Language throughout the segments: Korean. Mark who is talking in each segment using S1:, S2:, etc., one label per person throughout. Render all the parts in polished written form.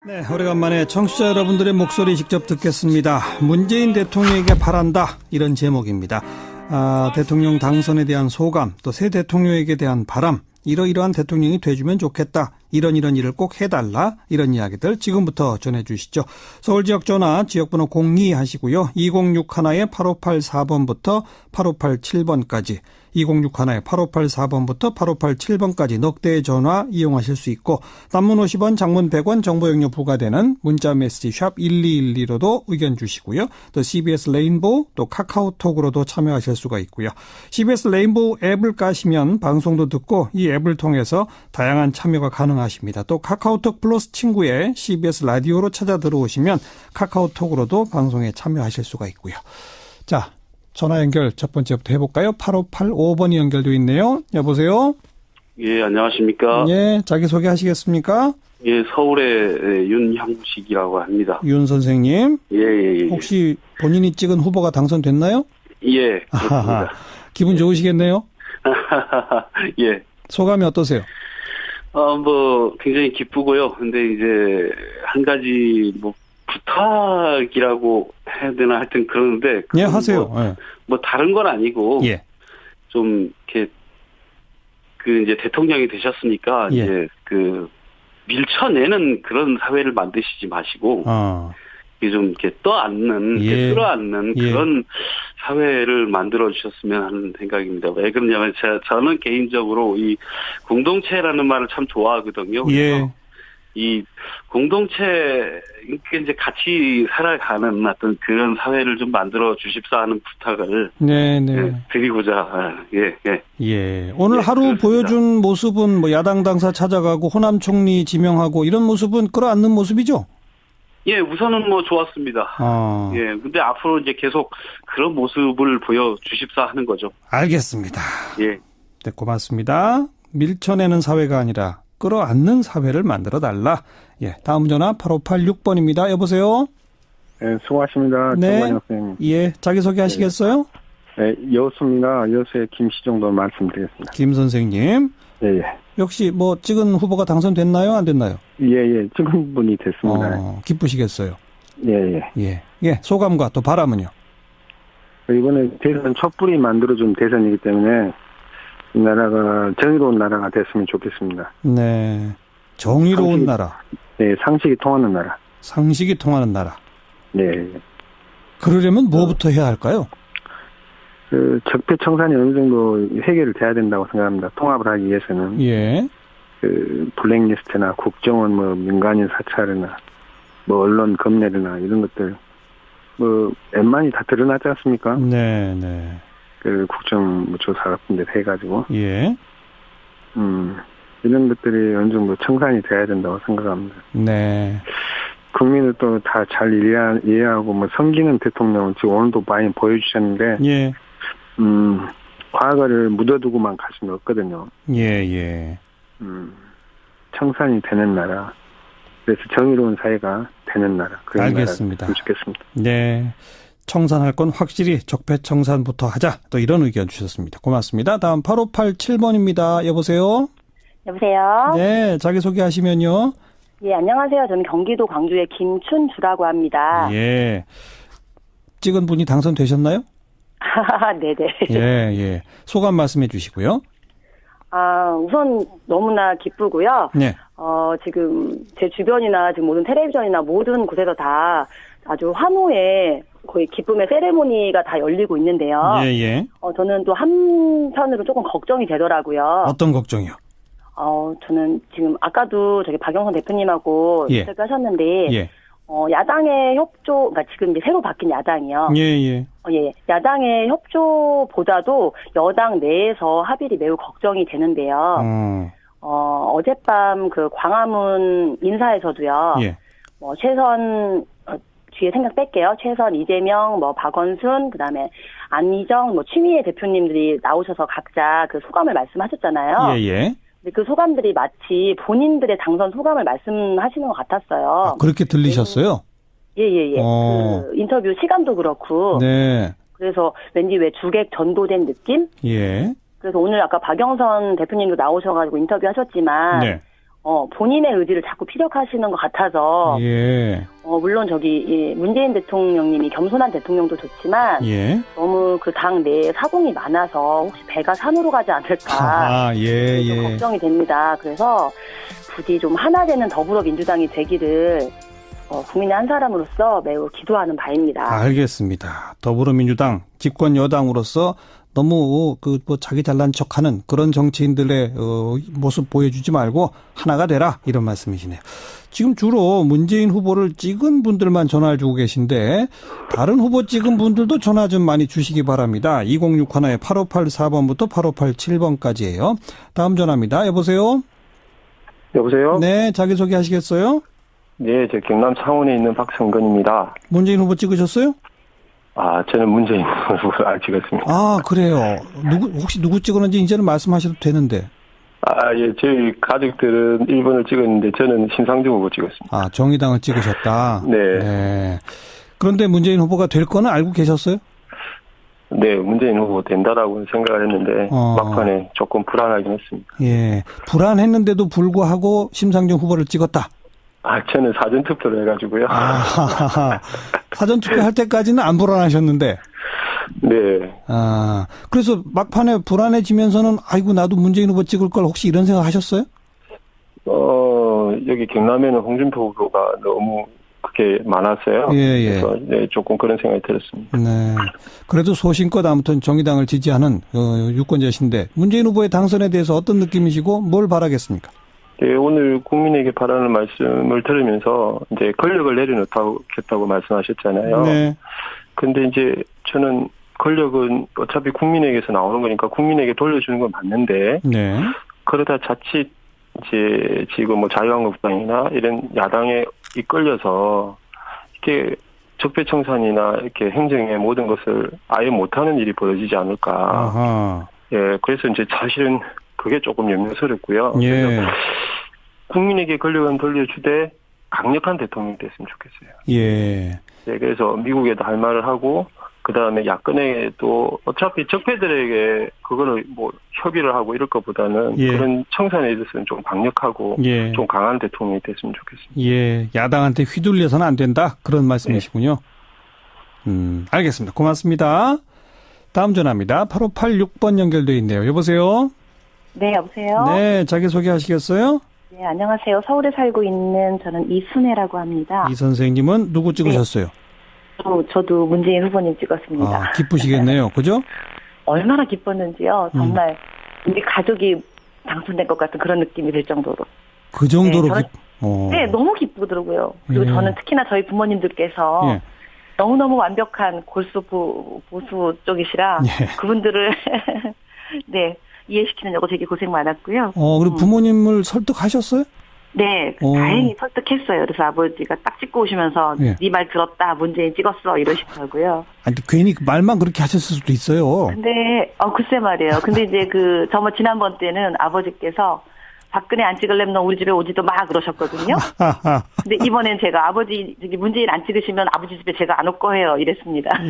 S1: 네, 오래간만에 청취자 여러분들의 목소리 직접 듣겠습니다. 문재인 대통령에게 바란다, 이런 제목입니다. 대통령 당선에 대한 소감, 또 새 대통령에게 대한 바람, 이러이러한 대통령이 돼주면 좋겠다, 이런 일을 꼭 해달라, 이런 이야기들 지금부터 전해주시죠. 서울 지역 전화 지역번호 02 하시고요. 2061-8584번부터 8587번까지 2061-8584번부터 8587번까지 넉 대의 전화 이용하실 수 있고, 단문 50원, 장문 100원, 정보용료 부과되는 문자 메시지 샵 1212로도 의견 주시고요. 또 CBS 레인보우, 또 카카오톡으로도 참여하실 수가 있고요. CBS 레인보우 앱을 까시면 방송도 듣고 이 앱을 통해서 다양한 참여가 가능하십니다. 또 카카오톡 플러스 친구에 CBS 라디오로 찾아 들어오시면 카카오톡으로도 방송에 참여하실 수가 있고요. 자, 전화 연결 첫 번째부터 해볼까요? 8585번이 연결되어 있네요. 여보세요?
S2: 예, 안녕하십니까?
S1: 예, 자기소개 하시겠습니다.
S2: 예, 서울의 윤형식이라고 합니다.
S1: 윤 선생님.
S2: 예.
S1: 혹시 본인이 찍은 후보가 당선됐나요?
S2: 예, 그렇습니다.
S1: 기분 좋으시겠네요?
S2: 예.
S1: 소감이 어떠세요?
S2: 굉장히 기쁘고요. 근데 이제, 한 가지, 부탁이라고 해야 되나 하여튼 그러는데.
S1: 예, 하세요.
S2: 다른 건 아니고.
S1: 예.
S2: 좀, 이렇게, 이제 대통령이 되셨으니까,
S1: 예.
S2: 이제, 밀쳐내는 그런 사회를 만드시지 마시고. 이게 좀 이렇게 떠안는, 끌어안는 그런 사회를 만들어 주셨으면 하는 생각입니다. 왜 그러냐면 저는 개인적으로 이 공동체라는 말을 참 좋아하거든요.
S1: 예.
S2: 이 공동체, 이제 같이 살아가는 어떤 그런 사회를 좀 만들어 주십사 하는 부탁을. 드리고자,
S1: 예. 오늘 하루
S2: 그렇습니다.
S1: 보여준 모습은 야당 당사 찾아가고 호남 총리 지명하고 이런 모습은 끌어안는 모습이죠?
S2: 예, 우선은 좋았습니다. 예, 근데 앞으로 이제 계속 그런 모습을 보여주십사 하는 거죠.
S1: 알겠습니다.
S2: 예.
S1: 네, 고맙습니다. 밀쳐내는 사회가 아니라 끌어안는 사회를 만들어 달라. 예, 다음 전화 8586번입니다. 여보세요?
S3: 네, 수고하십니다.
S1: 네.
S3: 정관영 선생님.
S1: 예, 자기소개 하시겠어요?
S3: 네, 여수입니다. 여수의 김씨 정도 말씀드리겠습니다.
S1: 김 선생님.
S3: 예.
S1: 역시 찍은 후보가 당선됐나요? 안 됐나요?
S3: 예. 찍은 분이 됐습니다.
S1: 기쁘시겠어요?
S3: 예.
S1: 소감과 또 바람은요?
S3: 이번에 대선 촛불이 만들어준 대선이기 때문에 이 나라가 정의로운 나라가 됐으면 좋겠습니다.
S1: 네. 정의로운 나라.
S3: 네, 상식이 통하는 나라.
S1: 상식이 통하는 나라.
S3: 네.
S1: 그러려면 뭐부터 해야 할까요?
S3: 적폐청산이 어느 정도 해결이 돼야 된다고 생각합니다. 통합을 하기 위해서는.
S1: 예.
S3: 블랙리스트나 국정원 민간인 사찰이나 언론 검열이나 이런 것들 웬만히 다 드러나지 않습니까?
S1: 네.
S3: 국정조사 같은 데 해가지고.
S1: 예.
S3: 이런 것들이 어느 정도 청산이 돼야 된다고 생각합니다.
S1: 네.
S3: 국민을 또 다 잘 이해하고 섬기는 대통령은 지금 오늘도 많이 보여주셨는데.
S1: 예.
S3: 과거를 묻어두고만 갈 수는 없거든요.
S1: 예.
S3: 청산이 되는 나라. 그래서 정의로운 사회가 되는 나라. 그런
S1: 알겠습니다.
S3: 나라가 좋겠습니다.
S1: 네. 청산할 건 확실히 적폐청산부터 하자. 또 이런 의견 주셨습니다. 고맙습니다. 다음 8587번입니다. 여보세요?
S4: 여보세요?
S1: 네, 자기소개하시면요.
S4: 예, 안녕하세요. 저는 경기도 광주의 김춘주라고 합니다.
S1: 예. 찍은 분이 당선되셨나요?
S4: 네네.
S1: 예. 소감 말씀해 주시고요.
S4: 우선 너무나 기쁘고요.
S1: 네.
S4: 지금 제 주변이나 지금 모든 텔레비전이나 모든 곳에서 다 아주 환호의 거의 기쁨의 세레모니가 다 열리고 있는데요.
S1: 예.
S4: 저는 또 한편으로 조금 걱정이 되더라고요.
S1: 어떤 걱정이요?
S4: 저는 지금 아까도 박영선 대표님하고 인터뷰 하셨는데, 야당의 협조, 그러니까 지금 이제 새로 바뀐 야당이요.
S1: 예.
S4: 야당의 협조보다도 여당 내에서 합의를 매우 걱정이 되는데요. 어젯밤 광화문 인사에서도요. 최선, 뒤에 생각 뺄게요. 최선, 이재명, 박원순, 그 다음에 안희정, 추미애 대표님들이 나오셔서 각자 소감을 말씀하셨잖아요.
S1: 예.
S4: 근데 그 소감들이 마치 본인들의 당선 소감을 말씀하시는 것 같았어요.
S1: 그렇게 들리셨어요?
S4: 예. 인터뷰 시간도 그렇고.
S1: 네.
S4: 그래서 왠지 왜 주객 전도된 느낌?
S1: 예.
S4: 그래서 오늘 아까 박영선 대표님도 나오셔가지고 인터뷰 하셨지만.
S1: 네.
S4: 본인의 의지를 자꾸 피력하시는 것 같아서
S1: 예.
S4: 물론 문재인 대통령님이 겸손한 대통령도 좋지만
S1: 예.
S4: 너무 그 당 내에 사공이 많아서 혹시 배가 산으로 가지 않을까
S1: 예.
S4: 걱정이 됩니다. 그래서 부디 좀 하나 되는 더불어민주당이 되기를 국민의 한 사람으로서 매우 기도하는 바입니다.
S1: 알겠습니다. 더불어민주당 집권 여당으로서 너무 자기 잘난 척하는 그런 정치인들의 모습 보여주지 말고 하나가 되라 이런 말씀이시네요. 지금 주로 문재인 후보를 찍은 분들만 전화를 주고 계신데 다른 후보 찍은 분들도 전화 좀 많이 주시기 바랍니다. 2061-8584번부터 8587번까지예요. 다음 전화입니다. 여보세요?
S3: 여보세요?
S1: 네, 자기소개 하시겠어요?
S3: 네, 저 경남 창원에 있는 박성근입니다.
S1: 문재인 후보 찍으셨어요?
S3: 저는 문재인 후보를 안 찍었습니다.
S1: 그래요. 혹시 누구 찍었는지 이제는 말씀하셔도 되는데.
S3: 예, 저희 가족들은 1번을 찍었는데 저는 신상중 후보 찍었습니다.
S1: 정의당을 찍으셨다?
S3: 네.
S1: 그런데 문재인 후보가 될 거는 알고 계셨어요?
S3: 네, 문재인 후보 된다라고 생각을 했는데 막판에 조금 불안하긴 했습니다.
S1: 예, 불안했는데도 불구하고 심상정 후보를 찍었다?
S3: 저는 사전투표를 해가지고요.
S1: 사전투표 할 때까지는 안 불안하셨는데?
S3: 네.
S1: 그래서 막판에 불안해지면서는 아이고 나도 문재인 후보 찍을 걸 혹시 이런 생각 하셨어요?
S3: 여기 경남에는 홍준표 후보가 너무 그렇게 많았어요.
S1: 예.
S3: 그래서 네, 조금 그런 생각이 들었습니다.
S1: 네. 그래도 소신껏 아무튼 정의당을 지지하는 유권자신데 문재인 후보의 당선에 대해서 어떤 느낌이시고 뭘 바라겠습니까?
S3: 네, 오늘 국민에게 바라는 말씀을 들으면서 이제 권력을 내려놓겠다고 말씀하셨잖아요.
S1: 네.
S3: 근데 이제 저는 권력은 어차피 국민에게서 나오는 거니까 국민에게 돌려주는 건 맞는데,
S1: 네.
S3: 그러다 자칫 이제 지금 자유한국당이나 이런 야당에 이끌려서 이렇게 적폐청산이나 이렇게 행정의 모든 것을 아예 못하는 일이 벌어지지 않을까.
S1: 아하.
S3: 예, 그래서 이제 사실은 그게 조금 염려스럽고요.
S1: 예.
S3: 그래서 국민에게 권력은 돌려주되 강력한 대통령이 됐으면 좋겠어요.
S1: 예.
S3: 네, 그래서 미국에도 할 말을 하고, 그 다음에 야권에도 어차피 적폐들에게 그거를 협의를 하고 이럴 것보다는 그런 청산에 있어서는 좀 강력하고 좀 강한 대통령이 됐으면 좋겠습니다.
S1: 예. 야당한테 휘둘려서는 안 된다. 그런 말씀이시군요. 네. 알겠습니다. 고맙습니다. 다음 전화입니다. 8586번 연결되어 있네요. 여보세요?
S4: 네, 여보세요?
S1: 네, 자기소개 하시겠어요?
S4: 네, 안녕하세요. 서울에 살고 있는 저는 이순애라고 합니다.
S1: 이 선생님은 누구 찍으셨어요?
S4: 네. 저도 문재인 후보님 찍었습니다.
S1: 기쁘시겠네요. 그죠?
S4: 얼마나 기뻤는지요. 정말 우리 가족이 당선된 것 같은 그런 느낌이 들 정도로.
S1: 그 정도로
S4: 네, 너무 기쁘더라고요. 그리고 저는 특히나 저희 부모님들께서 너무너무 완벽한 골수 보수 쪽이시라 그분들을 네, 이해시키느냐고 되게 고생 많았고요.
S1: 그리고 부모님을 설득하셨어요?
S4: 네, 다행히 설득했어요. 그래서 아버지가 딱 찍고 오시면서 네 말 들었다, 문재인 찍었어 이러시더라고요.
S1: 아니 괜히 말만 그렇게 하셨을 수도 있어요.
S4: 근데 글쎄 말이에요. 근데 이제 지난번 때는 아버지께서 박근혜 안 찍을래면 너 우리 집에 오지도 마 그러셨거든요. 근데 이번엔 제가 아버지 문재인 안 찍으시면 아버지 집에 제가 안 올 거예요 이랬습니다.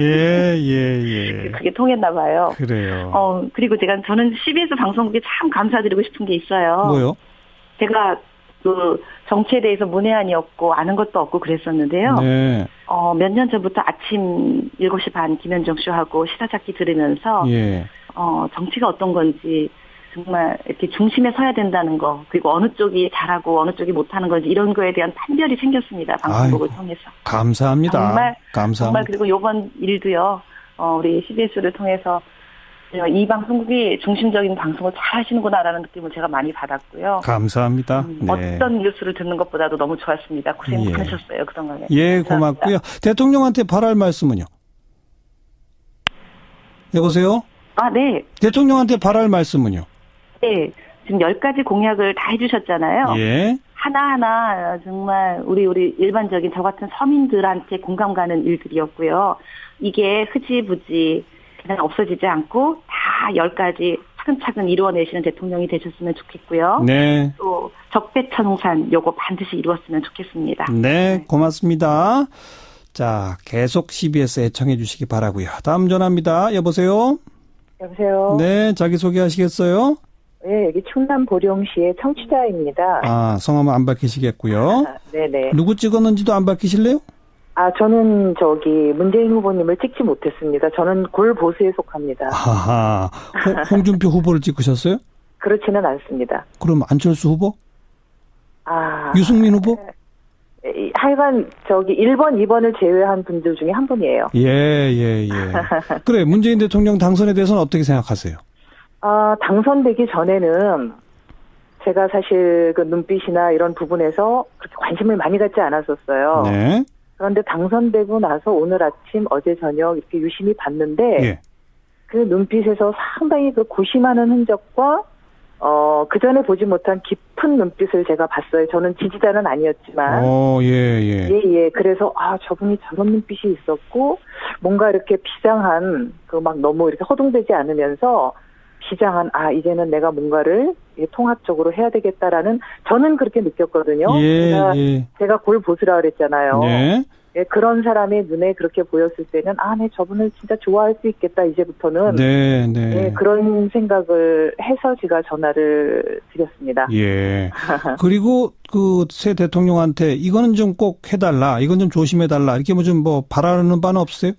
S1: 예.
S4: 그게 통했나 봐요.
S1: 그래요.
S4: 그리고 저는 CBS 방송국에 참 감사드리고 싶은 게 있어요.
S1: 뭐요?
S4: 제가 정치에 대해서 문외한이었고 아는 것도 없고 그랬었는데요.
S1: 네.
S4: 몇 년 전부터 아침 7시 반 김현정 쇼하고 시사잡기 들으면서 정치가 어떤 건지 정말 이렇게 중심에 서야 된다는 거, 그리고 어느 쪽이 잘하고 어느 쪽이 못하는 건지 이런 거에 대한 판별이 생겼습니다. 방송국을 통해서.
S1: 감사합니다.
S4: 정말 그리고 이번 일도요. 우리 CBS를 통해서 이 방송국이 중심적인 방송을 잘 하시는구나라는 느낌을 제가 많이 받았고요.
S1: 감사합니다.
S4: 어떤 뉴스를 듣는 것보다도 너무 좋았습니다. 고생 많으셨어요, 그동안에.
S1: 고맙고요. 대통령한테 바랄 말씀은요? 여보세요?
S4: 네.
S1: 대통령한테 바랄 말씀은요?
S4: 네. 지금 10가지 공약을 다 해주셨잖아요. 하나하나 정말 우리 일반적인 저 같은 서민들한테 공감 가는 일들이었고요. 이게 흐지부지 그냥 없어지지 않고 다 10가지 차근차근 이루어내시는 대통령이 되셨으면 좋겠고요.
S1: 네.
S4: 또 적폐청산 요거 반드시 이루었으면 좋겠습니다.
S1: 네, 고맙습니다. 자, 계속 CBS 애청해 주시기 바라고요. 다음 전화입니다. 여보세요?
S5: 여보세요?
S1: 네, 자기소개 하시겠어요?
S5: 네, 여기 충남 보령시의 청취자입니다.
S1: 아, 성함은 안 밝히시겠고요.
S5: 네네.
S1: 누구 찍었는지도 안 밝히실래요?
S5: 저는 문재인 후보님을 찍지 못했습니다. 저는 골보수에 속합니다.
S1: 하하. 홍준표 후보를 찍으셨어요?
S5: 그렇지는 않습니다.
S1: 그럼 안철수 후보? 유승민 후보?
S5: 하여간 1번, 2번을 제외한 분들 중에 한 분이에요.
S1: 예. 그래, 문재인 대통령 당선에 대해서는 어떻게 생각하세요?
S5: 당선되기 전에는 제가 사실 그 눈빛이나 이런 부분에서 그렇게 관심을 많이 갖지 않았었어요. 네. 그런데 당선되고 나서 오늘 아침, 어제 저녁 이렇게 유심히 봤는데, 예. 그 눈빛에서 상당히 그 고심하는 흔적과, 그 전에 보지 못한 깊은 눈빛을 제가 봤어요. 저는 지지자는 아니었지만. 예. 그래서, 저분이 저런 눈빛이 있었고, 뭔가 이렇게 비장한, 너무 이렇게 허둥대지 않으면서, 비장한, 이제는 내가 뭔가를 통합적으로 해야 되겠다라는, 저는 그렇게 느꼈거든요. 제가 골보수라 그랬잖아요. 네. 예, 그런 사람의 눈에 그렇게 보였을 때는, 네, 저분을 진짜 좋아할 수 있겠다, 이제부터는. 네, 그런 생각을 해서 제가 전화를 드렸습니다.
S1: 예. 그리고 새 대통령한테 이거는 좀 꼭 해달라, 이건 좀 조심해달라, 이렇게 좀 바라는 바는 없으세요?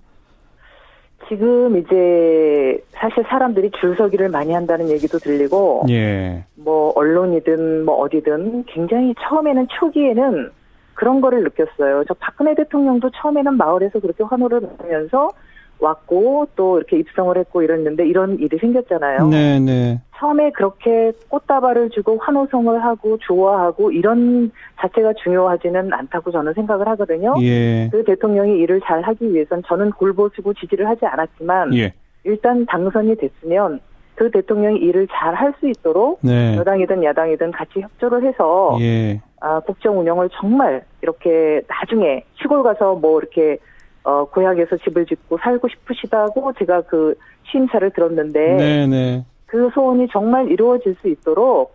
S5: 지금 이제 사실 사람들이 줄서기를 많이 한다는 얘기도 들리고, 예. 언론이든 어디든 굉장히 처음에는 초기에는 그런 거를 느꼈어요. 저 박근혜 대통령도 처음에는 마을에서 그렇게 환호를 받으면서 왔고 또 이렇게 입성을 했고 이랬는데 이런 일이 생겼잖아요. 네네. 처음에 그렇게 꽃다발을 주고 환호성을 하고 좋아하고 이런 자체가 중요하지는 않다고 저는 생각을 하거든요. 예. 그 대통령이 일을 잘 하기 위해선 저는 골보수고 지지를 하지 않았지만 예. 일단 당선이 됐으면 그 대통령이 일을 잘 할 수 있도록 네. 여당이든 야당이든 같이 협조를 해서 예. 국정 운영을 정말 이렇게 나중에 시골 가서 이렇게 고향에서 집을 짓고 살고 싶으시다고 제가 그 취임사를 들었는데 네네. 그 소원이 정말 이루어질 수 있도록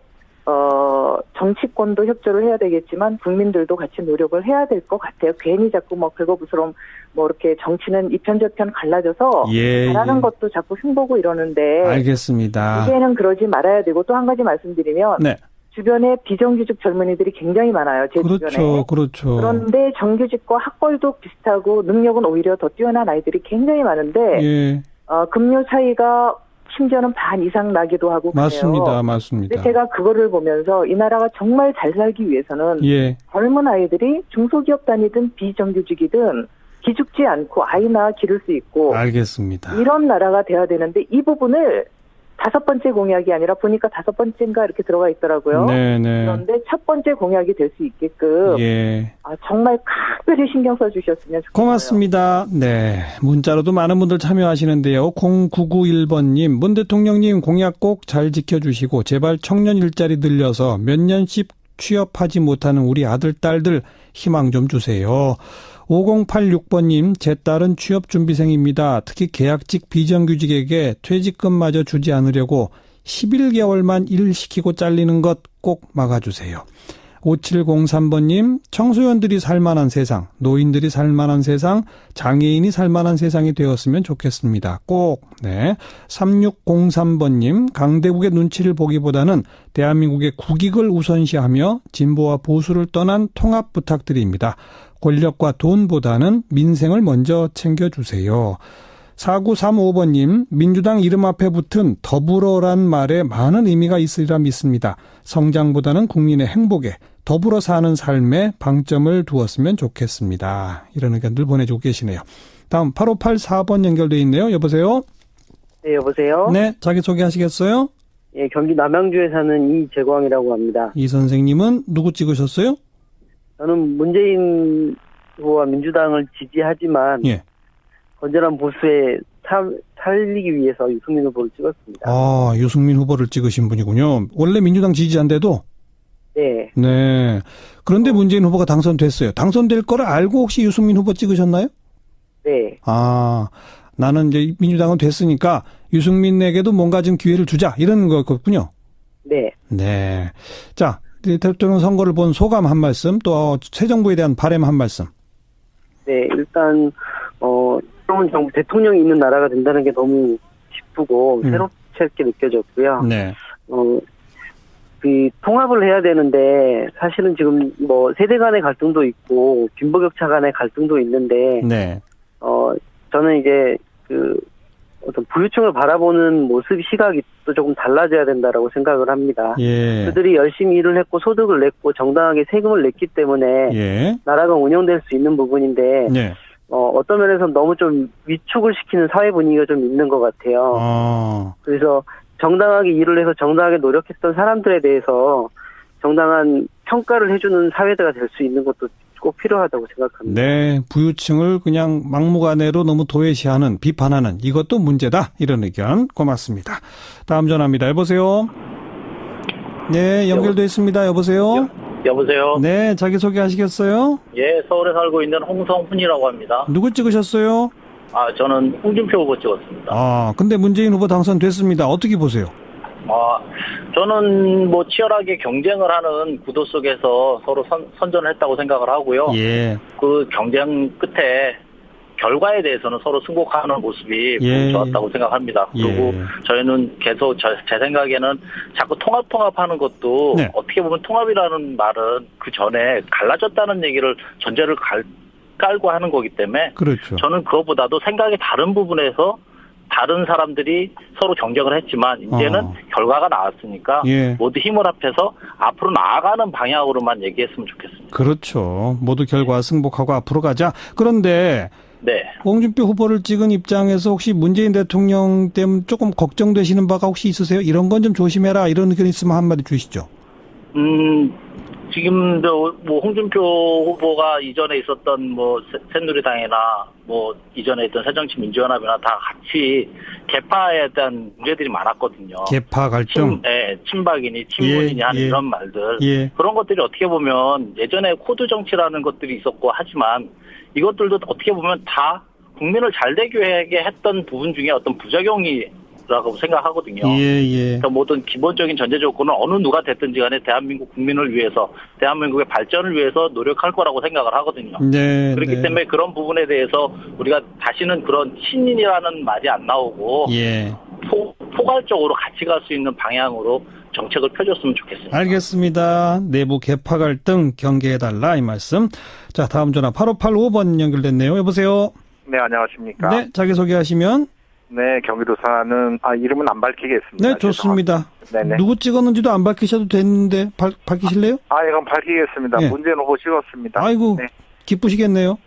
S5: 정치권도 협조를 해야 되겠지만 국민들도 같이 노력을 해야 될 것 같아요. 괜히 자꾸 긁어부스럼 이렇게 정치는 이편 저편 갈라져서 잘하는 것도 자꾸 흉보고 이러는데
S1: 알겠습니다.
S5: 이제는 그러지 말아야 되고 또 한 가지 말씀드리면 네. 주변에 비정규직 젊은이들이 굉장히 많아요. 제 주변에. 그렇죠. 그런데 정규직과 학벌도 비슷하고 능력은 오히려 더 뛰어난 아이들이 굉장히 많은데 예. 급료 차이가 심지어는 반 이상 나기도 하고
S1: 맞습니다.
S5: 그래요.
S1: 맞습니다.
S5: 근데 제가 그거를 보면서 이 나라가 정말 잘 살기 위해서는 예. 젊은 아이들이 중소기업 다니든 비정규직이든 기죽지 않고 아이나 기를 수 있고
S1: 알겠습니다.
S5: 이런 나라가 돼야 되는데 이 부분을 5번째 공약이 아니라 보니까 5번째인가 이렇게 들어가 있더라고요. 네네. 그런데 첫 번째 공약이 될 수 있게끔 예. 정말 각별히 신경 써주셨으면 좋겠어요.
S1: 고맙습니다. 네, 문자로도 많은 분들 참여하시는데요. 0991번님, 문 대통령님 공약 꼭 잘 지켜주시고 제발 청년 일자리 늘려서 몇 년씩 취업하지 못하는 우리 아들, 딸들 희망 좀 주세요. 5086번님, 제 딸은 취업준비생입니다. 특히 계약직 비정규직에게 퇴직금마저 주지 않으려고 11개월만 일시키고 잘리는 것 꼭 막아주세요. 5703번님, 청소년들이 살만한 세상, 노인들이 살만한 세상, 장애인이 살만한 세상이 되었으면 좋겠습니다. 꼭. 네. 3603번님, 강대국의 눈치를 보기보다는 대한민국의 국익을 우선시하며 진보와 보수를 떠난 통합 부탁드립니다. 권력과 돈보다는 민생을 먼저 챙겨주세요. 4935번님, 민주당 이름 앞에 붙은 더불어란 말에 많은 의미가 있으리라 믿습니다. 성장보다는 국민의 행복에, 더불어 사는 삶에 방점을 두었으면 좋겠습니다. 이런 의견들 보내주고 계시네요. 다음 8584번 연결돼 있네요. 여보세요?
S6: 네, 여보세요?
S1: 네, 자기소개 하시겠어요?
S6: 예, 경기 남양주에 사는 이재광이라고 합니다.
S1: 이 선생님은 누구 찍으셨어요?
S6: 저는 문재인 후보와 민주당을 지지하지만 예. 건전한 보수에 살리기 위해서 유승민 후보를 찍었습니다.
S1: 유승민 후보를 찍으신 분이군요. 원래 민주당 지지자인데도?
S6: 네.
S1: 네. 그런데 문재인 후보가 당선됐어요. 당선될 거를 알고 혹시 유승민 후보 찍으셨나요?
S6: 네.
S1: 나는 이제 민주당은 됐으니까 유승민에게도 뭔가 좀 기회를 주자 이런 거였군요.
S6: 네.
S1: 네. 자, 대통령 선거를 본 소감 한 말씀, 또 새 정부에 대한 바람 한 말씀.
S6: 네, 일단 새로운 정부 대통령이 있는 나라가 된다는 게 너무 기쁘고 새롭게 느껴졌고요. 네. 그 통합을 해야 되는데 사실은 지금 뭐 세대 간의 갈등도 있고 빈부격차 간의 갈등도 있는데
S1: 네.
S6: 저는 이제 그 어떤 부유층을 바라보는 모습 시각이 또 조금 달라져야 된다라고 생각을 합니다.
S1: 예.
S6: 그들이 열심히 일을 했고 소득을 냈고 정당하게 세금을 냈기 때문에
S1: 예.
S6: 나라가 운영될 수 있는 부분인데
S1: 예.
S6: 어떤 면에서 너무 좀 위축을 시키는 사회 분위기가 좀 있는 것 같아요. 그래서 정당하게 일을 해서 정당하게 노력했던 사람들에 대해서 정당한 평가를 해주는 사회가 될 수 있는 것도 꼭 필요하다고 생각합니다.
S1: 네, 부유층을 그냥 막무가내로 너무 도외시하는, 비판하는 이것도 문제다. 이런 의견 고맙습니다. 다음 전화입니다. 여보세요? 네, 연결돼 있습니다. 여보세요?
S7: 여보세요?
S1: 네, 자기소개하시겠어요?
S7: 예, 서울에 살고 있는 홍성훈이라고 합니다.
S1: 누구 찍으셨어요?
S7: 저는 홍준표 후보 찍었습니다.
S1: 근데 문재인 후보 당선됐습니다. 어떻게 보세요?
S7: 저는 뭐 치열하게 경쟁을 하는 구도 속에서 서로 선전을 했다고 생각을 하고요.
S1: 예.
S7: 그 경쟁 끝에 결과에 대해서는 서로 승복하는 모습이 좋았다고 생각합니다. 그리고 저희는 계속 제 생각에는 자꾸 통합하는 것도
S1: 네.
S7: 어떻게 보면 통합이라는 말은 그 전에 갈라졌다는 얘기를 전제를 깔고 하는 거기 때문에
S1: 그렇죠.
S7: 저는 그것보다도 생각이 다른 부분에서 다른 사람들이 서로 경쟁을 했지만 이제는 결과가 나왔으니까 모두 힘을 합해서 앞으로 나아가는 방향으로만 얘기했으면 좋겠습니다.
S1: 그렇죠. 모두 결과 승복하고 앞으로 가자. 그런데
S7: 네.
S1: 홍준표 후보를 찍은 입장에서 혹시 문재인 대통령 때문에 조금 걱정되시는 바가 혹시 있으세요? 이런 건 좀 조심해라. 이런 의견 있으면 한마디 주시죠.
S7: 지금 뭐 홍준표 후보가 이전에 있었던 뭐 새누리당이나 뭐 이전에 있던 새정치민주연합이나 다 같이 개파에 대한 문제들이 많았거든요.
S1: 개파 갈등.
S7: 친박이니 친문이니 하는 이런 말들. 그런 것들이 어떻게 보면 예전에 코드 정치라는 것들이 있었고 하지만 이것들도 어떻게 보면 다 국민을 잘 되게 했던 부분 중에 어떤 부작용이라고 생각하거든요. 그러니까 모든 기본적인 전제 조건은 어느 누가 됐든지 간에 대한민국 국민을 위해서 대한민국의 발전을 위해서 노력할 거라고 생각을 하거든요. 그렇기 때문에 그런 부분에 대해서 우리가 다시는 그런 신인이라는 말이 안 나오고 포괄적으로 같이 갈 수 있는 방향으로 정책을 펴줬으면 좋겠습니다.
S1: 알겠습니다. 내부 개파 갈등 경계해달라 이 말씀. 자, 다음 전화 8585번 연결됐네요. 여보세요?
S8: 네, 안녕하십니까?
S1: 네, 자기소개하시면.
S8: 네, 경기도 사는 이름은 안 밝히겠습니다.
S1: 네, 좋습니다.
S8: 네네.
S1: 누구 찍었는지도 안 밝히셔도 되는데 밝히실래요?
S8: 이건 밝히겠습니다.
S1: 네.
S8: 문재인 후보 찍었습니다.
S1: 아이고, 네. 기쁘시겠네요.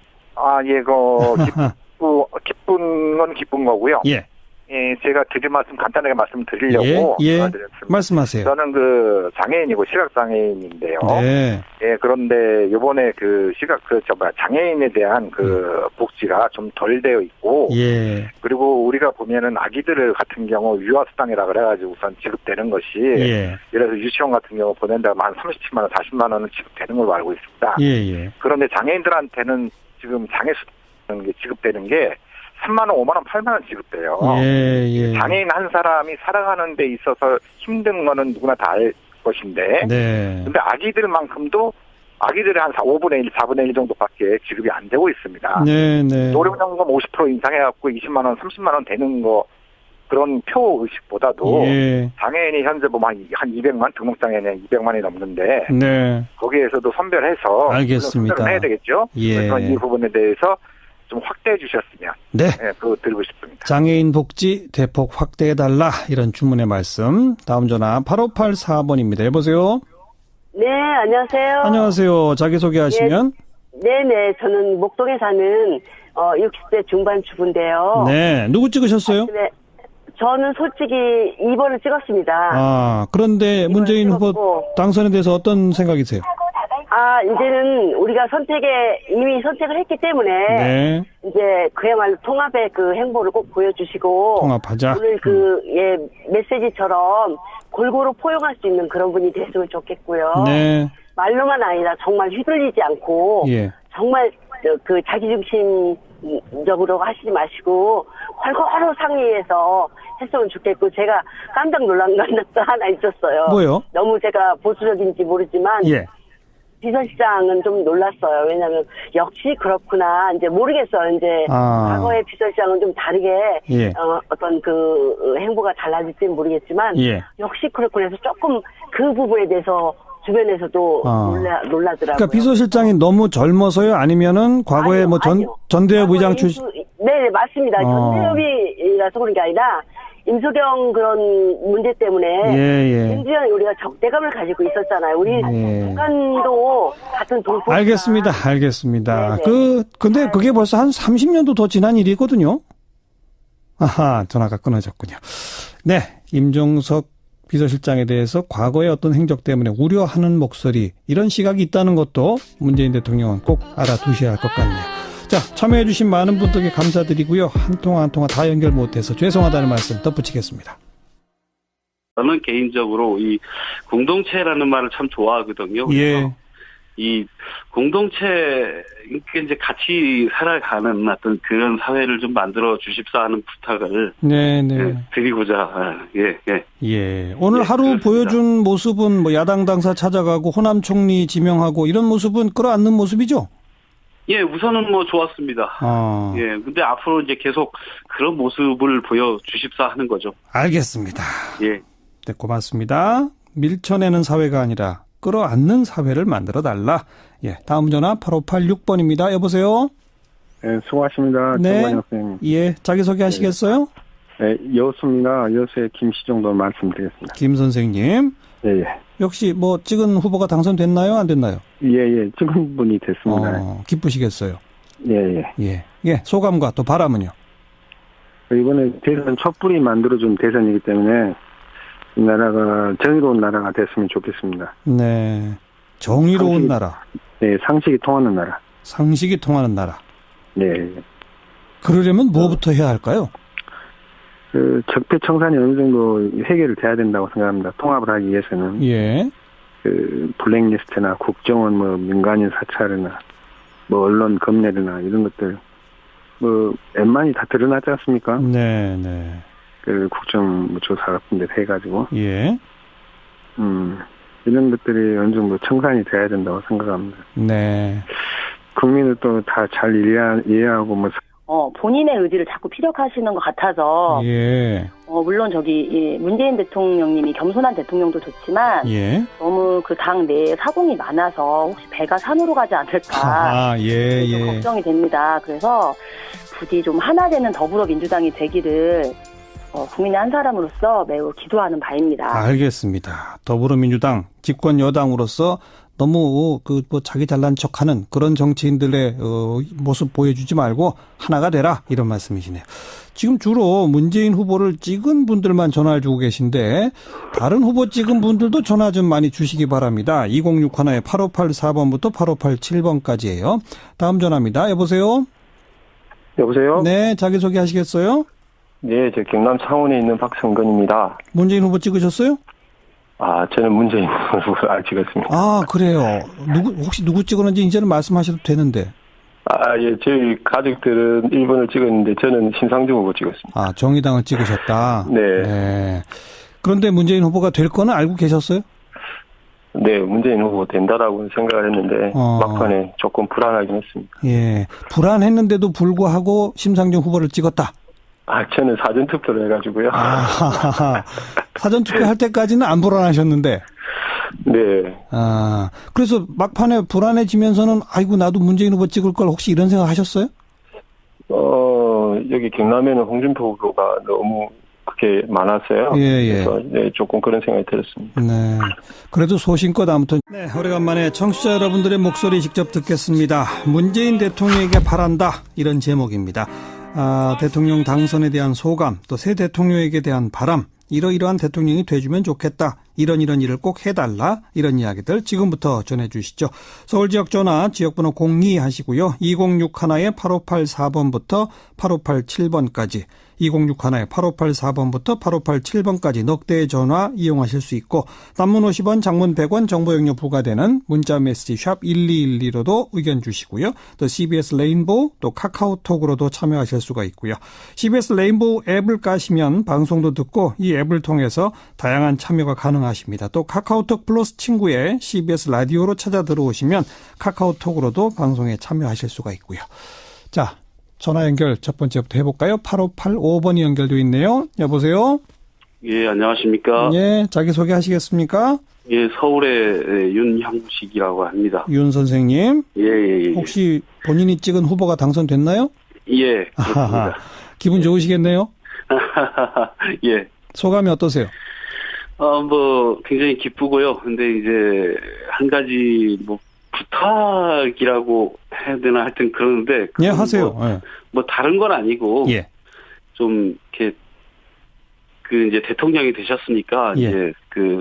S8: 기쁜 건 기쁜 거고요. 제가 드릴 말씀 간단하게 말씀드리려고 드렸습니다.
S1: 말씀하세요.
S8: 저는 그 장애인이고 시각장애인인데요.
S1: 네.
S8: 그런데 이번에 장애인에 대한 복지가 좀 덜 되어 있고, 그리고 우리가 보면은 아기들 같은 경우 유아수당이라 그래가지고 우선 지급되는 것이, 예를 들어서 유치원 같은 경우 보낸다면 한 37만 원, 40만 원은 지급되는 걸로 알고 있습니다. 그런데 장애인들한테는 지금 장애수당 지급되는 게 3만 원, 5만 원, 8만 원 지급돼요. 장애인 한 사람이 살아가는 데 있어서 힘든 거는 누구나 다 알 것인데, 근데 아기들만큼도 아기들의 한 5분의 1, 4분의 1 정도밖에 지급이 안 되고 있습니다. 노령연금 50% 인상해갖고 20만 원, 30만 원 되는 거, 그런 표 의식보다도 장애인이 현재 보면 한 200만, 등록장애인이 200만이 넘는데, 거기에서도 선별해서
S1: 알겠습니다.
S8: 선별을 해야 되겠죠. 그래서 이 부분에 대해서 좀 확대해 주셨으면 그거 드리고 싶습니다.
S1: 장애인 복지 대폭 확대해달라 이런 주문의 말씀. 다음 전화 8584번입니다. 여보세요?
S9: 네, 안녕하세요.
S1: 안녕하세요. 자기소개하시면.
S9: 네네, 저는 목동에 사는 60대 중반 주부인데요.
S1: 네, 누구 찍으셨어요?
S9: 네, 저는 솔직히 2번을 찍었습니다.
S1: 그런데 문재인 후보 당선에 대해서 어떤 생각이세요?
S9: 이제는 우리가 이미 선택을 했기 때문에, 이제 그야말로 통합의 그 행보를 꼭 보여주시고,
S1: 통합하자.
S9: 오늘 메시지처럼 골고루 포용할 수 있는 그런 분이 됐으면 좋겠고요. 말로만 아니라 정말 휘둘리지 않고, 정말 자기중심적으로 하시지 마시고, 골고루 상의해서 했으면 좋겠고, 제가 깜짝 놀란 것도 하나 있었어요.
S1: 뭐요?
S9: 너무 제가 보수적인지 모르지만, 비서실장은 좀 놀랐어요. 왜냐하면 역시 그렇구나. 이제 모르겠어요. 이제 과거의 비서실장은 좀 다르게 어떤 그 행보가 달라질지는 모르겠지만 역시 그렇구나 해서 조금 그 부분에 대해서 주변에서도 놀라더라고요.
S1: 그러니까 비서실장이 너무 젊어서요? 아니면은 과거에 뭐 전대협 의장 출신?
S9: 네, 맞습니다. 전대협이라서 그런 게 아니라 임석영 그런 문제 때문에 굉장히 우리가 적대감을 가지고 있었잖아요. 우리 북한도 같은 동포.
S1: 알겠습니다. 근데 그게 벌써 한 30년도 더 지난 일이거든요. 아하, 전화가 끊어졌군요. 네, 임종석 비서실장에 대해서 과거의 어떤 행적 때문에 우려하는 목소리, 이런 시각이 있다는 것도 문재인 대통령은 꼭 알아두셔야 할 것 같네요. 자, 참여해주신 많은 분들께 감사드리고요. 한 통화 다 연결 못해서 죄송하다는 말씀 덧붙이겠습니다.
S2: 저는 개인적으로 이 공동체라는 말을 참 좋아하거든요. 이 공동체, 이제 같이 살아가는 어떤 그런 사회를 좀 만들어 주십사 하는 부탁을 드리고자,
S1: 오늘 하루 보여준 모습은 뭐 야당 당사 찾아가고 호남 총리 지명하고 이런 모습은 끌어안는 모습이죠?
S2: 우선은 뭐 좋았습니다. 근데 앞으로 이제 계속 그런 모습을 보여주십사 하는 거죠.
S1: 알겠습니다. 네, 고맙습니다. 밀쳐내는 사회가 아니라 끌어안는 사회를 만들어달라. 다음 전화 8586번입니다. 여보세요?
S10: 네, 수고하십니다. 정관영 선생님.
S1: 자기소개 하시겠어요?
S10: 네, 여수입니다. 여수의 김시정도 말씀드리겠습니다.
S1: 김 선생님. 역시 뭐 찍은 후보가 당선됐나요? 안 됐나요?
S10: 찍은 분이 됐습니다.
S1: 기쁘시겠어요? 소감과 또 바람은요?
S10: 이번에 대선 촛불이 만들어준 대선이기 때문에 이 나라가 정의로운 나라가 됐으면 좋겠습니다.
S1: 네. 정의로운 나라.
S10: 네, 상식이 통하는 나라.
S1: 상식이 통하는 나라.
S10: 네.
S1: 그러려면 뭐부터 해야 할까요?
S10: 적폐청산이 어느 정도 해결을 돼야 된다고 생각합니다. 통합을 하기 위해서는. 블랙리스트나 국정원 민간인 사찰이나 언론 검열이나 이런 것들 웬만히 다 드러나지 않습니까?
S1: 네.
S10: 국정조사 같은 데 해가지고. 이런 것들이 어느 정도 청산이 돼야 된다고 생각합니다.
S1: 네.
S10: 국민을 또 다 잘 이해하고
S4: 본인의 의지를 자꾸 피력하시는 것 같아서. 물론 문재인 대통령님이 겸손한 대통령도 좋지만. 너무 그 당 내에 사공이 많아서 혹시 배가 산으로 가지 않을까. 좀 걱정이 됩니다. 그래서 부디 좀 하나 되는 더불어민주당이 되기를 국민의 한 사람으로서 매우 기도하는 바입니다.
S1: 알겠습니다. 더불어민주당 집권 여당으로서 너무 자기 잘난 척하는 그런 정치인들의 모습 보여주지 말고 하나가 되라, 이런 말씀이시네요. 지금 주로 문재인 후보를 찍은 분들만 전화를 주고 계신데 다른 후보 찍은 분들도 전화 좀 많이 주시기 바랍니다. 2061에 8584번부터 8587번까지예요. 다음 전화입니다. 여보세요?
S3: 여보세요?
S1: 네, 자기소개 하시겠어요?
S3: 네, 저 경남 창원에 있는 박성근입니다.
S1: 문재인 후보 찍으셨어요?
S3: 저는 문재인 후보를 찍었습니다.
S1: 그래요. 혹시 누구 찍었는지 이제는 말씀하셔도 되는데.
S3: 저희 가족들은 1번을 찍었는데 저는 신상중 후보 찍었습니다.
S1: 정의당을 찍으셨다?
S3: 네.
S1: 그런데 문재인 후보가 될 거는 알고 계셨어요?
S3: 네, 문재인 후보 된다라고 생각을 했는데 막판에 조금 불안하긴 했습니다.
S1: 불안했는데도 불구하고 심상정 후보를 찍었다?
S3: 저는 사전투표를 해가지고요.
S1: 사전투표 할 때까지는 안 불안하셨는데?
S3: 네.
S1: 그래서 막판에 불안해지면서는 아이고 나도 문재인 후보 찍을 걸 혹시 이런 생각 하셨어요?
S3: 여기 경남에는 홍준표 후보가 너무 그렇게 많았어요. 그래서 조금 그런 생각이 들었습니다.
S1: 네. 그래도 소신껏 아무튼. 네, 오래간만에 청취자 여러분들의 목소리 직접 듣겠습니다. 문재인 대통령에게 바란다, 이런 제목입니다. 대통령 당선에 대한 소감, 또 새 대통령에게 대한 바람, 이러이러한 대통령이 돼주면 좋겠다, 이런 일을 꼭 해달라, 이런 이야기들 지금부터 전해주시죠. 서울지역 전화 지역번호 02 하시고요. 2061에 8584번부터 8587번까지 2061에 8584번부터 8587번까지 넉 대의 전화 이용하실 수 있고 단문 50원, 장문 100원, 정보 용료 부과되는 문자 메시지 샵 1212로도 의견 주시고요. 또 CBS 레인보우, 또 카카오톡으로도 참여하실 수가 있고요. CBS 레인보우 앱을 까시면 방송도 듣고 이 앱을 통해서 다양한 참여가 가능하십니다. 또 카카오톡 플러스 친구에 CBS 라디오로 찾아 들어오시면 카카오톡으로도 방송에 참여하실 수가 있고요. 자, 전화 연결 첫 번째부터 해볼까요? 8585번이 연결되어 있네요. 여보세요?
S2: 안녕하십니까?
S1: 자기소개 하시겠습니까?
S2: 예, 서울의 윤형식이라고 합니다.
S1: 윤 선생님.
S2: 예.
S1: 혹시 본인이 찍은 후보가 당선됐나요?
S2: 예, 그렇습니다.
S1: 기분 좋으시겠네요?
S2: 예.
S1: 소감이 어떠세요?
S2: 굉장히 기쁘고요. 근데 이제, 한 가지, 부탁이라고 해야 되나 하여튼 그러는데.
S1: 예, 하세요.
S2: 다른 건 아니고.
S1: 예.
S2: 좀, 이렇게, 이제 대통령이 되셨으니까,
S1: 예.
S2: 이제,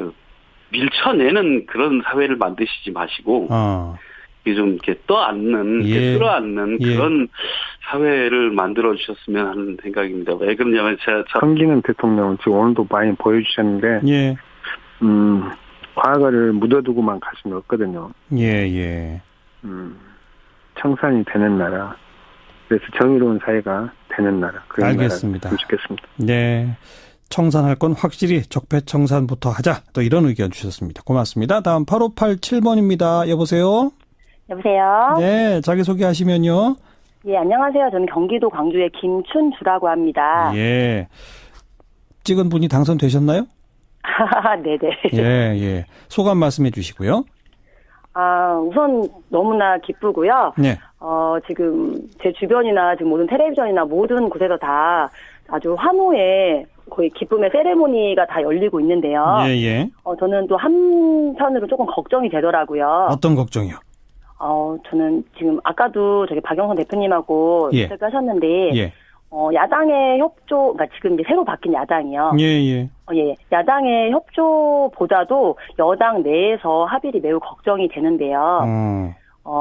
S2: 밀쳐내는 그런 사회를 만드시지 마시고. 좀 이렇게 떠안는, 끌어안는 그런 사회를 만들어 주셨으면 하는 생각입니다. 왜 그러냐면
S10: 성기는 대통령은 지금 오늘도 많이 보여주셨는데,
S1: 예.
S10: 과거를 묻어두고만 갈 수는 없거든요.
S1: 예.
S10: 청산이 되는 나라, 그래서 정의로운 사회가 되는 나라. 그런
S1: 알겠습니다.
S10: 나라가 좋겠습니다.
S1: 네. 청산할 건 확실히 적폐청산부터 하자. 또 이런 의견 주셨습니다. 고맙습니다. 다음 8587번입니다. 여보세요?
S11: 여보세요?
S1: 네, 자기소개하시면요.
S11: 예, 안녕하세요. 저는 경기도 광주의 김춘주라고 합니다.
S1: 예. 찍은 분이 당선되셨나요?
S11: 네네.
S1: 예. 소감 말씀해 주시고요.
S11: 우선 너무나 기쁘고요.
S1: 네.
S11: 지금 제 주변이나 지금 모든 텔레비전이나 모든 곳에서 다 아주 환호의 거의 기쁨의 세레모니가 다 열리고 있는데요.
S1: 예.
S11: 저는 또 한편으로 조금 걱정이 되더라고요.
S1: 어떤 걱정이요?
S11: 저는 지금 아까도 저기 박영선 대표님하고 인터뷰 하셨는데,
S1: 예.
S11: 야당의 협조, 그러니까 지금 이제 새로 바뀐 야당이요.
S1: 예.
S11: 야당의 협조보다도 여당 내에서 합의를 매우 걱정이 되는데요.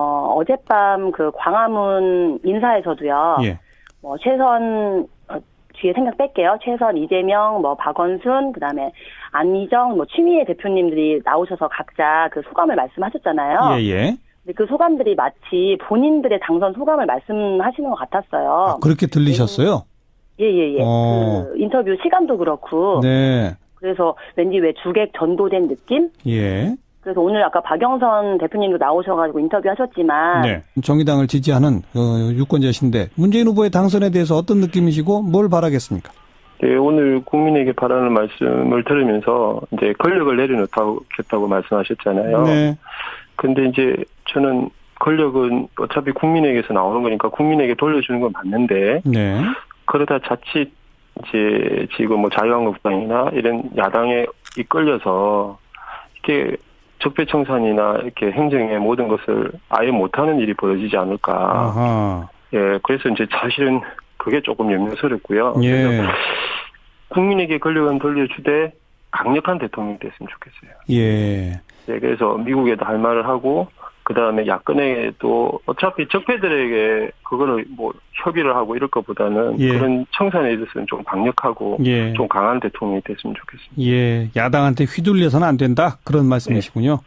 S11: 어젯밤 그 광화문 인사에서도요.
S1: 예.
S11: 최선, 뒤에 생각 뺄게요. 최선, 이재명, 박원순, 그 다음에 안희정, 추미애 대표님들이 나오셔서 각자 그 소감을 말씀하셨잖아요.
S1: 예.
S11: 근데 그 소감들이 마치 본인들의 당선 소감을 말씀하시는 것 같았어요.
S1: 그렇게 들리셨어요?
S11: 예. 그 인터뷰 시간도 그렇고.
S1: 네.
S11: 그래서 왠지 왜 주객 전도된 느낌?
S1: 예.
S11: 그래서 오늘 아까 박영선 대표님도 나오셔가지고 인터뷰하셨지만.
S1: 네. 정의당을 지지하는 유권자신데 문재인 후보의 당선에 대해서 어떤 느낌이시고 뭘 바라겠습니까?
S3: 네, 오늘 국민에게 바라는 말씀을 들으면서 이제 권력을 내려놓겠다고 말씀하셨잖아요.
S1: 네.
S3: 근데 이제 저는 권력은 어차피 국민에게서 나오는 거니까 국민에게 돌려주는 건 맞는데.
S1: 네.
S3: 그러다 자칫 이제 지금 자유한국당이나 이런 야당에 이끌려서 이렇게 적폐청산이나 이렇게 행정의 모든 것을 아예 못하는 일이 벌어지지 않을까.
S1: 아하.
S3: 예, 그래서 이제 사실은 그게 조금 염려스럽고요.
S1: 예.
S3: 그래서 국민에게 권력은 돌려주되 강력한 대통령이 됐으면 좋겠어요.
S1: 예.
S3: 네, 그래서 미국에도 할 말을 하고, 그 다음에 야권에도 어차피 적폐들에게 그거를 협의를 하고 이럴 것보다는 그런 청산에 있어서는 좀 강력하고 좀 강한 대통령이 됐으면 좋겠습니다.
S1: 예, 야당한테 휘둘려서는 안 된다. 그런 말씀이시군요.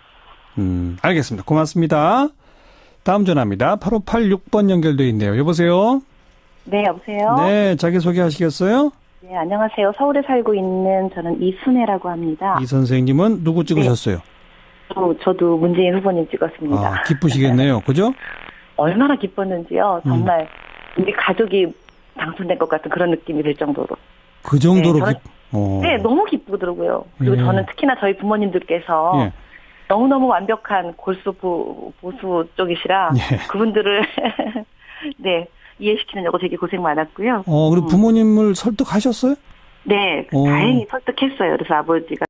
S1: 알겠습니다. 고맙습니다. 다음 전화입니다. 8586번 연결되어 있네요. 여보세요?
S11: 네, 여보세요?
S1: 네, 자기소개 하시겠어요?
S11: 네, 안녕하세요. 서울에 살고 있는 저는 이순애라고 합니다.
S1: 이 선생님은 누구 찍으셨어요?
S11: 네. 저도 문재인 후보님 찍었습니다.
S1: 기쁘시겠네요. 그죠?
S11: 얼마나 기뻤는지요. 정말 우리 가족이 당선된 것 같은 그런 느낌이 들 정도로.
S1: 그 정도로
S11: 네, 너무 기쁘더라고요. 그리고 저는 특히나 저희 부모님들께서 너무너무 완벽한 골수 보수 쪽이시라 그분들을 네, 이해시키느냐고 되게 고생 많았고요.
S1: 그리고 부모님을 설득하셨어요?
S11: 네, 다행히 설득했어요. 그래서 아버지가